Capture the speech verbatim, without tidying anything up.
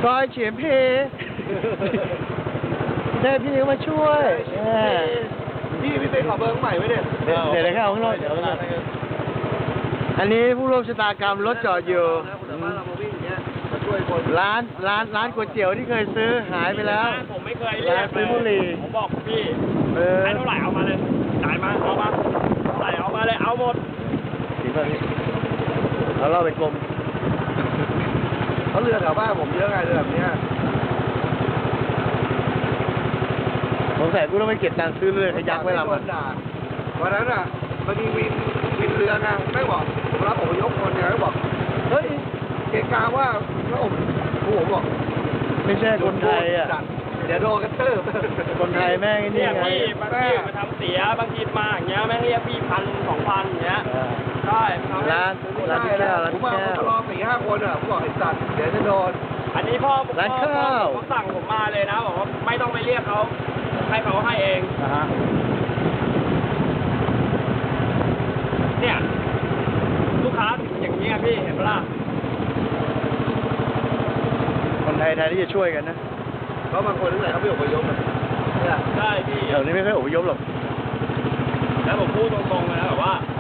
ซอยเฉียนเพได้พี่เลี้ยงมาช่วยพี่พี่เป็นขอเบอร์ใหม่ไว้เนี่ยเดี๋ยวเดี๋ยวเข้าข้างนอกเดี๋ยวข้างนอกอันนี้ผู้ร่วมชะตากรรมรถจอดอยู่ร้านร้านร้านก๋วยเตี๋ยวที่เคยซื้อหายไปแล้วผมไม่เคยเรียกเลยผมบอกพี่ให้เท่าไหร่เอามาเลยจ่ายมาเอามาเท่าไหร่เอามาเลยเอาหมดจริงป่ะพี่เราเล่าเป็นกลมเขาเรือแถวบ้านผมเยอะไงเรือแบบนี้ผมใส่กูต้องไปเก็บตังค์ซื้อเรือขยักไว้ลำมันวันนั้นอ่ะมันมีวินวินเรือไงไม่บอกผมรับผมยกคนไงไม่บอกเฮ้ยเกกาว่าแล้วผมผมบอกไม่ใช่คนไทยอ่ะเดี๋ยวโดนกระเติบคนไทยแม่งนี่ไงบางทีมาทำเสียบางทีมาอย่างเงี้ยแม่งเรียกพี่พันสองพันอย่างเงี้ยใช่ร้านร้านแก้วร้านแก้วผมมารอสี่ห้าคนอ่ะผมบอกไอ้สัตว์เดี๋ยวจะโดนอันนี้พ่อร้านข้าวเขาสั่งผมมาเลยนะบอกว่าไม่ต้องไปเรียกเขาให้เขาให้เองเนี่ยลูกค้าอย่างนี้พี่เห็นปะล่ะคนไทยไทยที่จะช่วยกันนะเพราะบางคนที่ไหนเขาไม่อพยพเนี่ยใช่พี่แถวนี้ไม่ค่อยอพยพหรอกแล้วผมพูดตรงๆเลยนะแบบว่า